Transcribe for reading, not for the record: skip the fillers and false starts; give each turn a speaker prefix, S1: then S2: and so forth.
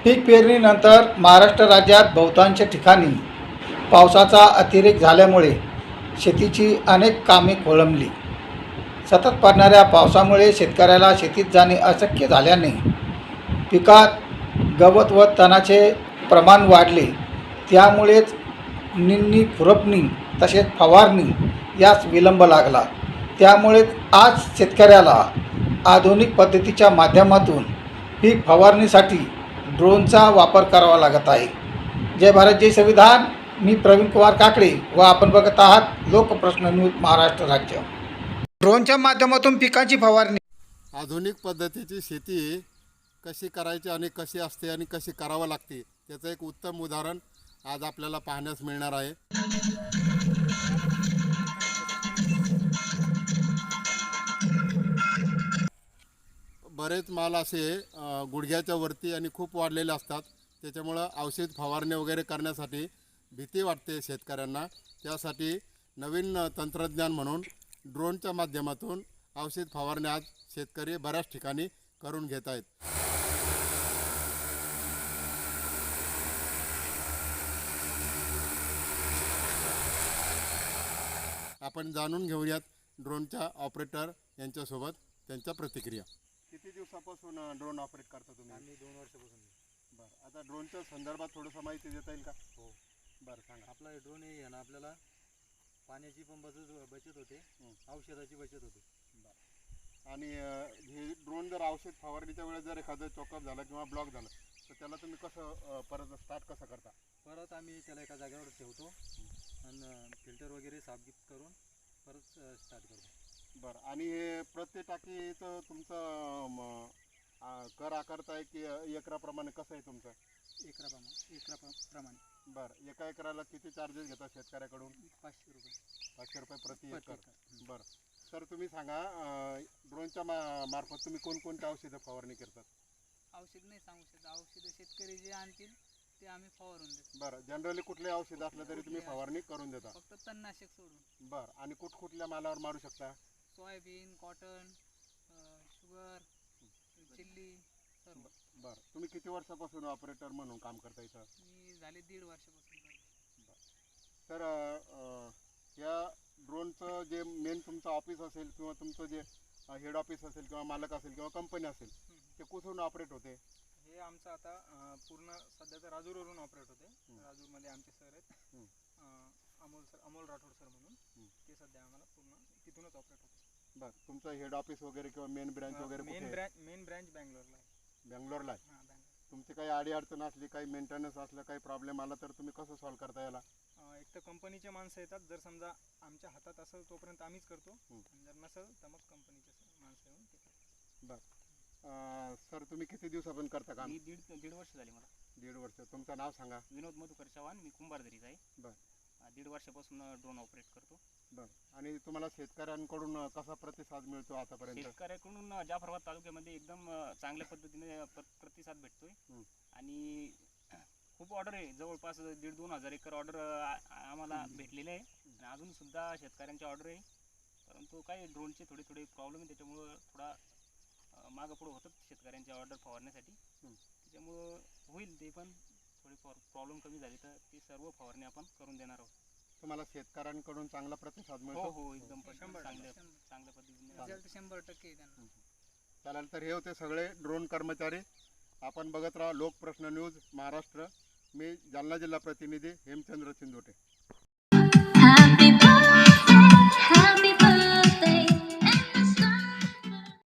S1: पीक पेरणीनंतर महाराष्ट्र राज्यात बहुतांश ठिकाणी पावसाचा अतिरेक झाल्यामुळे शेतीची अनेक कामे खोळंबली. सतत पडणाऱ्या पावसामुळे शेतकऱ्याला शेतीत जाणे अशक्य झाल्याने पिकात गवत व तणाचे प्रमाण वाढले. त्यामुळेच निंदणी, खुरपणी तसेच फवारणी यास विलंब लागला. त्यामुळेच आज शेतकऱ्याला आधुनिक पद्धतीच्या माध्यमातून पीक फवारणीसाठी ड्रोनचा वापर करावा लागत आहे. जय भारत, जय संविधान. मी प्रवीण कुमार काकडे व आपण बघत आहात लोकप्रश्न न्यूज महाराष्ट्र राज्य. ड्रोनच्या माध्यमातून पिकांची फवारणी.
S2: आधुनिक पद्धतीची शेती कशी करायची आणि कशी असते आणि कशी करावं लागते त्याचं एक उत्तम उदाहरण आज आपल्याला पाहण्यास मिळणार आहे. बरेच माल असे गुडघ्याच्या वरती आणि खूप वाढलेले असतात. त्याच्यामुळं औषध फवारणी वगैरे करण्यासाठी भीती वाटते शेतकऱ्यांना. त्यासाठी नवीन तंत्रज्ञान म्हणून ड्रोनच्या माध्यमातून औषध फवारणी आज शेतकरी बऱ्याच ठिकाणी करून घेत आहेत. आपण जाणून घेऊयात ड्रोनच्या ऑपरेटर यांच्यासोबत त्यांच्या प्रतिक्रिया. किती दिवसापासून ड्रोन ऑपरेट करता तुम्ही?
S3: आम्ही 2 वर्षापासून.
S2: बरं, आता ड्रोनच्या संदर्भात थोडंसं माहिती देता येईल का?
S3: हो.
S2: बरं, सांगा.
S3: आपला ड्रोन आहे ना, आपल्याला पाण्याची पण बचत होते, औषधाची बचत होते.
S2: आणि हे ड्रोन जर औषध फवारणीच्या वेळेस जर एखादं चॉकअप झालं किंवा ब्लॉक झालं तर त्याला तुम्ही कसं परत स्टार्ट कसं करता?
S3: परत आम्ही त्याला एका जागेवर ठेवतो आणि फिल्टर वगैरे साफगीत करून परत स्टार्ट करतो.
S2: बरं, आणि हे प्रत्येक टाकीचं तुमचं कर आकारताय की एकराप्रमाणे कसं आहे तुमचं?
S3: एकराप्रमाणे.
S2: बरं, एका एकराला किती चार्जेस घेता शेतकऱ्याकडून?
S3: 500 रुपये.
S2: 500 रुपये प्रति एकर. बरं, सर तुम्ही सांगा, ड्रोनच्या मार्फत तुम्ही कोणकोणत्या औषधं फवारणी करतात?
S4: औषध नाही सांगू शकत. औषधं शेतकरी जे आणतील ते आम्ही फवारून देतो.
S2: बरं, जनरली कुठले औषध असलं तरी तुम्ही फवारणी करून देता?
S4: फक्त तणनाशक सोडून.
S2: बरं, आणि कुठल्या मालावर मारू शकता?
S4: सोयाबीन, कॉटन, शुगर, चिल्ली सर्व.
S2: बरं, तुम्ही किती वर्षापासून ऑपरेटर म्हणून काम करता इथं?
S4: मी झाले 1.5 वर्षापासून करतो.
S2: तर या ड्रोनचं जे मेन तुमचं ऑफिस असेल किंवा तुमचं जे हेड ऑफिस असेल किंवा मालक असेल किंवा कंपनी असेल ते कुठून ऑपरेट होते?
S5: हे आमचं आता पूर्ण सध्या तर राजूरवरून ऑपरेट होते. राजूरमध्ये आमचे सर आहेत, अमोल राठोड सर म्हणून. ते सध्या आम्हाला पूर्ण तिथूनच ऑपरेट होते.
S2: बरं, तुमचं हेड ऑफिस वगैरे किंवा मेन ब्रँच वगैरे
S5: मेन ब्रँच बँगलोरला आहे.
S2: बँगलोरला आहे.
S5: हां, बँगलोर.
S2: तुमची काही अडीअडचण असली, काही मेंटेनन्स असलं, काही प्रॉब्लेम आला तर तुम्ही कसं सॉल्व्ह करता याला?
S5: एक तर कंपनीचे माणसं येतात. जर समजा आमच्या हातात असेल तोपर्यंत आम्हीच करतो, आणि जर नसेल तर मग कंपनीचे माणसं येऊन ते करतात.
S2: बरं, सर तुम्ही किती दिवसापासून करता काम?
S6: मी दीड वर्ष झाली मला.
S2: 1.5 वर्ष. तुमचं नाव सांगा.
S6: विनोद मधुकर चव्हाण. मी कुंभारदरीचा आहे.
S2: बरं.
S6: 1.5 वर्षापासून ड्रोन ऑपरेट करतो.
S2: बरं, आणि तुम्हाला शेतकऱ्यांकडून कसा प्रतिसाद मिळतो आतापर्यंत?
S6: शेतकऱ्याकडून जाफराबाद तालुक्यामध्ये एकदम चांगल्या पद्धतीने प्रतिसाद भेटतोय. आणि खूप ऑर्डर आहे, जवळपास 1,500-2 हजार एकर ऑर्डर आम्हाला भेटलेले आहे. आणि अजून सुद्धा शेतकऱ्यांची ऑर्डर आहे, परंतु काही ड्रोनचे थोडे प्रॉब्लेम आहे. त्याच्यामुळं थोडा मागं पुढं होतात शेतकऱ्यांची ऑर्डर फवारण्यासाठी. त्याच्यामुळं होईल ते, पण थोडी प्रॉब्लेम कमी झाली तर ती सर्व फवारणी आपण करून देणार आहोत.
S2: तुम्हाला शेतकऱ्यांकडून चांगला प्रतिसाद मिळतो?
S6: हो, एकदम चांगल्या पद्धतीने.
S4: रिझल्ट 100% त्यांना.
S2: चालेल, तर हे होते सगळे ड्रोन कर्मचारी. आपण बघत राहा लोकप्रश्न न्यूज महाराष्ट्र. मी जालना जिल्हा प्रतिनिधी हेमचंद्र चिंदोटे.